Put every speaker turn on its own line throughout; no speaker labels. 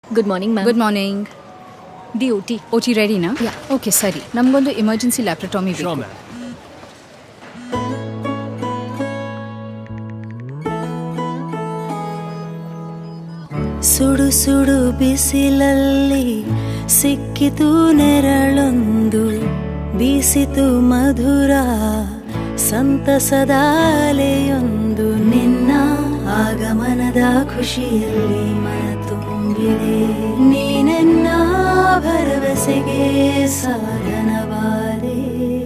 Good morning ma'am.
Good morning.
D O T
ರೆಡಿನಾ?
Yeah.
Okay ಸರಿ, ನಮಗೊಂದು emergency ಲ್ಯಾಪ್ರಟಾಮಿ ಬೇಕು.
ಸುಡು ಸುಡು ಬಿಸಿಲಲ್ಲಿ ಸಿಕ್ಕಿತು ನೆರಳೊಂದು, ಬೀಸಿತು ಮಧುರ ಸಂತಸದ ಅಲೆಯೊಂದು. ನಿನ್ನ ಆಗಮನದ ಖುಷಿಯಲ್ಲಿ ಮನ ತುಂಬಿದೆ, ನೀನೆನ್ನ ಭರವಸೆಗೆ ಸಾಧನವಾದೆ.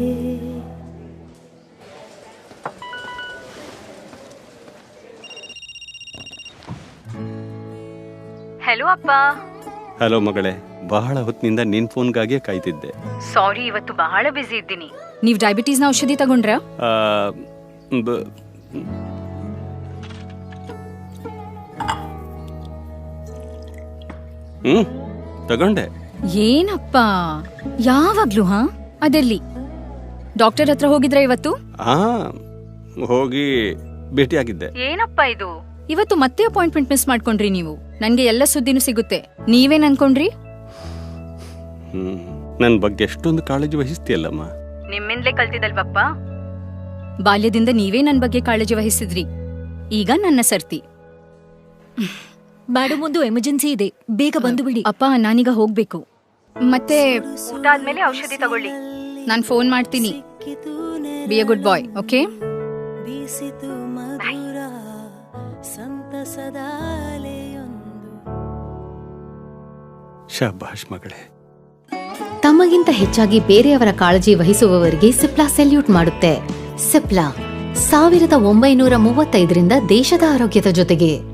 ಹಲೋ ಅಪ್ಪ.
ಹಲೋ ಮಗಳೇ, ಬಹಳ ಹೊತ್ತಿನಿಂದ ನಿನ್ ಫೋನ್ಗಾಗಿಯೇ ಕಾಯ್ತಿದ್ದೆ.
ಸಾರಿ, ಇವತ್ತು ಬಹಳ ಬಿಸಿ ಇದ್ದೀನಿ. ನೀವು ಡಯಾಬಿಟೀಸ್ನ ಔಷಧಿ ತಗೊಂಡ್ರಾ?
ಆ, ಬ- ತಗೊಂಡೆ.
ಏನಪ್ಪ ಯಾವಾಗ್ಲೂ ಅದೆಲ್ಲಿ ಡಾಕ್ಟರ್ ಹತ್ರ ಹೋಗಿದ್ರ ಇವತ್ತು?
ಹಾ, ಹೋಗಿ ಭೇಟಿಯಾಗಿದ್ದೆ.
ಏನಪ್ಪ ಇದು, ಇವತ್ತು ಮತ್ತೆ ಅಪಾಯಿಂಟ್ಮೆಂಟ್ ಮಿಸ್ ಮಾಡ್ಕೊಂಡ್ರಿ ನೀವು. ನನ್ಗೆ ಎಲ್ಲ ಸುದ್ದಿನೂ ಸಿಗುತ್ತೆ. ನೀವೇನ್ ಅನ್ಕೊಂಡ್ರಿ?
ನನ್ ಬಗ್ಗೆ ಎಷ್ಟೊಂದು ಕಾಳಜಿ ವಹಿಸ್ತೀಯಲ್ಲಮ್ಮ.
ನಿಮ್ಮಿಂದಲೇ ಕಲ್ತಿದಲ್ವಪ್ಪ. ಬಾಲ್ಯದಿಂದ ನೀವೇ ನನ್ ಬಗ್ಗೆ ಕಾಳಜಿ ವಹಿಸಿದ್ರಿ. ಈಗ ನನ್ನ ಸರ್ತಿ.
ಮೇಡಮ್, ಒಂದು ಎಮರ್ಜೆನ್ಸಿ ಇದೆ, ಬೇಗ ಬಂದು ಬಿಡಿ.
ಅಪ್ಪ, ನಾನೀಗ ಹೋಗ್ಬೇಕು. ಮತ್ತೆ ಊಟ ಆದ್ಮೇಲೆ ಔಷಧಿ ತಗೊಳ್ಳಿ. ನಾನ್ ಫೋನ್ ಮಾಡ್ತೀನಿ. Be a good boy, okay?
ಬೀಸಿತು ಮಧುರ ಸಂತಸದ ಅಲೆಯೊಂದು.
ಶಾಬಾಷ್ ಮಗಳೇ.
ತಮಗಿಂತ ಹೆಚ್ಚಾಗಿ ಬೇರೆಯವರ ಕಾಳಜಿ ವಹಿಸುವವರಿಗೆ ಸಿಪ್ಲಾ ಸೆಲ್ಯೂಟ್ ಮಾಡುತ್ತೆ. ಸಿಪ್ಲಾ 1935ರಿಂದ ದೇಶದ ಆರೋಗ್ಯದ ಜೊತೆಗೆ.